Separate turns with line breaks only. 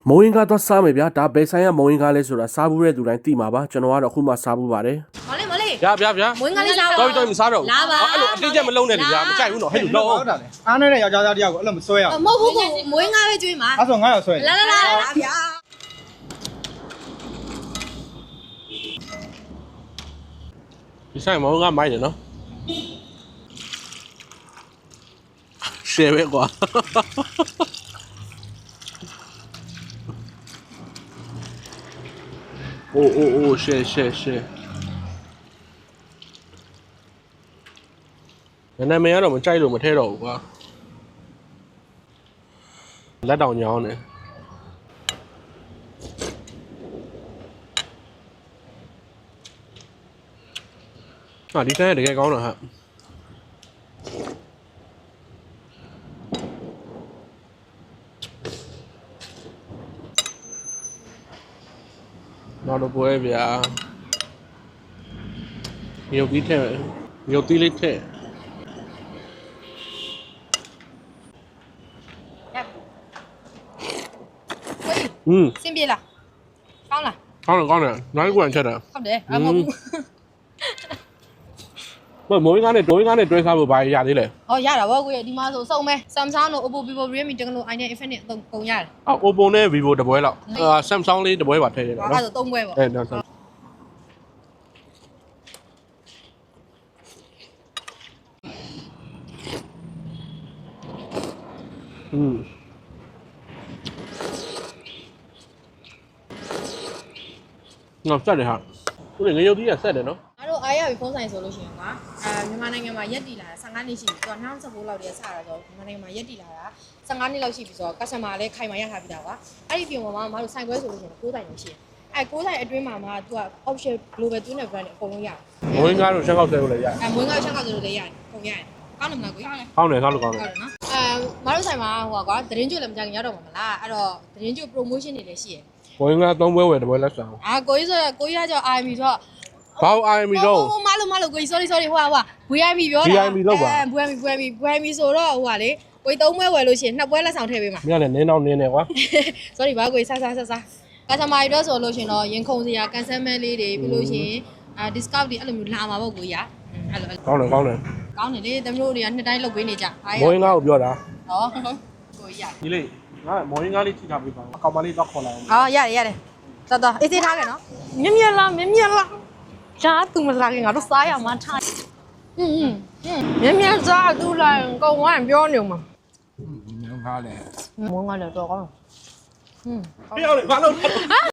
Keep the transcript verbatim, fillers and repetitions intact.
မုံရင်ကတော့စားမယ်ဗျာဒါဘယ်ဆိုင်ကမုံရင်ကားလဲဆိုတာစားဘူးတဲ့သူတိုင်းသိမှာပါကျွန်တော်ကတော့အခုမှစားဘူးပါတယ်
မလေးမလေး
ဗျာဗျာဗျာ
မွေးငါလေးစား
တော့တော့မစားတော့ဘူးအဲ့လိုအတင်းချက်မလုံးနဲ့လေဗျာမကြိုက်ဘူးနော်ဟဲ့လို့လုံး
ဟုတ်တာလေအားနဲ့ယောက်ျားသားတယောက်ကိုအဲ့လိုမဆွဲရဘူး
မဟုတ်ဘူးမွေးငါပဲကျွေးမှာ
အဲ့ဆိုငါရောက်ဆွဲ
လာလာလာလာဗျာ
ဒီဆိုင်မုံကမိုက်တယ်နော်ရှယ်ပဲကွာโอ้โอ้โอ้ရှယ်ရှယ်ရှယ်နာမည်ကတော့မကြိုက်လို့မထဲတော့ဘူးကွာလက်တောင်ညောင်းနေဟာဒီဆိုင်ကတကယ်ကောင်းတာဟာနောက်တော့ပွဲဗျာမြုပ်ပြီးထဲမြုပ်သီးလေးထဲอืม
စင်ပြေလားကောင်းလား
ကောင်းတယ်ကောင်းတယ်နိုင်ကွန်ချက်တယ်
ဟုတ်တယ်အမဟုတ်
ဘူးမမိုးရင်းကားနဲ့ဒိုးရင်းကားနဲ့တွဲစားဖို့ဘာရရသေးလဲ
ဟောရတာဗောကိုရဒီမှာဆိုစုံမဲ Samsung တို့ Oppo Vivo Realme Tecno iPhone Infinix အသုံးကုန်ရတယ်
အော် Oppo နဲ့ Vivo တပွဲလောက်အာ Samsung လေးတပွဲပါထည့်ရတာနော်
အဲ့ဒါဆိုသုံးပွဲပေါ့
အဲ့ဒါဆိုอืมငါစက်တယ်ဟာသူငရုတ်ကြီးကဆက်တယ်နော်
ငါတို့အားရပြီဖုန်းဆိုင်ဆိုလို့ရှိရင်ကွာအဲမြန်မာနိုင်ငံမှာရက်တီလာတာဆယ်ငါးနှစ်ရှိပြီဆိုတော့၂၀၁၉လောက်တည်းစတာဆိုတော့မြန်မာနိုင်ငံမှာရက်တီလာတာဆယ်ငါးနှစ်လောက်ရှိပြီဆိုတော့ customer လည်းခိုင်မာရထားပြီတာကွာအဲ့ဒီပြင်ပေါ်မှာမတို့ဆိုင်ခွဲဆိုလို့ရှိရင်ကိုးဆိုင်လို့ရှိရင်အဲကိုးဆိုင်အတွင်းမှာမှာသူက option global တွင်းတဲ့ brand တွေအကုန်လုံးရတယ်
မွေးငါတို့ရှက်ကောက်ဆဲလို့လည်းရတယ်
အဲမွေးငါရှက်ကောက်ဆဲလို့လည်းရတယ်ကုန်ရတယ်ကောင်းတယ်မလားကို
ကောင်းတယ်ကောင်းတယ်ကောင်းတယ်
ဟုတ်တယ်နော်အဲမတို့ဆိုင်မှာဟိုကွာသတင်းကျွတ်လည်းမကြခင်ရောက်တော့မှာမလားအဲ့တော့သတင်းကျွတ် promotion တွေလည်းရှိတယ်
မွေးငါသုံးပွဲဝယ်တပွဲလက်ဆောင်
အာကိုကြီးဆိုကိုကြီးကကြောင့် I M B ဆိုတော့
ဘာ I M B တော့
ဟိုမလို့မလို့ကိုကြီး sorry sorry ဟိုဟာ V I P ပြောတာ
V I P လောက်ပါ
V I P V I P V I P ဆိုတော့ဟိုဟာလေကိုကြီးသုံးပွဲဝယ်လို့ရှိရင်နှစ်ပွဲလက်ဆောင်ထည့်ပေးမှာ
မင်းကလည်းနင်းတော့နင်းနေကွာ
sorry ဘာကိုကြီးဆဆဆဆကစတမာတွေတော့ဆိုလို့ရှိရင်တော့ရင်ခုန်စရာ cancel လေးတွေပြီးလို့ရှိရင်အာ discount တွေအဲ့လိုမျိုးလာမှာပေါ့ကိုကြီးอ่ะအဲ့လို
ကောင်းတယ်ကောင်းတယ်
ကောင်းတယ်လေသမီးတို့တွေကနှစ်တိုင်းလုပ်ပေးနေကြ
မွေးငါကိုပြောတာ
ဟောကိုကြီးอ่ะ
ဒီလေငါမွေးငါလေးထိထားပေးပါအကောင်မလေးတော့ခေါ်လာအောင်
ဟောရတယ်ရတယ်တော်တော်အေးသေးထားခဲ့နော်မြင်မြင်လားမြင်မြင်လားရှားသူမလာခင်ငါတို့စားရမှာထားอืมမြင်မြင်စားသူလာကောင်းဝိုင်းပြောနေမှာ
ငါငါလေ
မုန်းငါလည်းတော့ကောင်းอืม
ပြောလေဘာလို့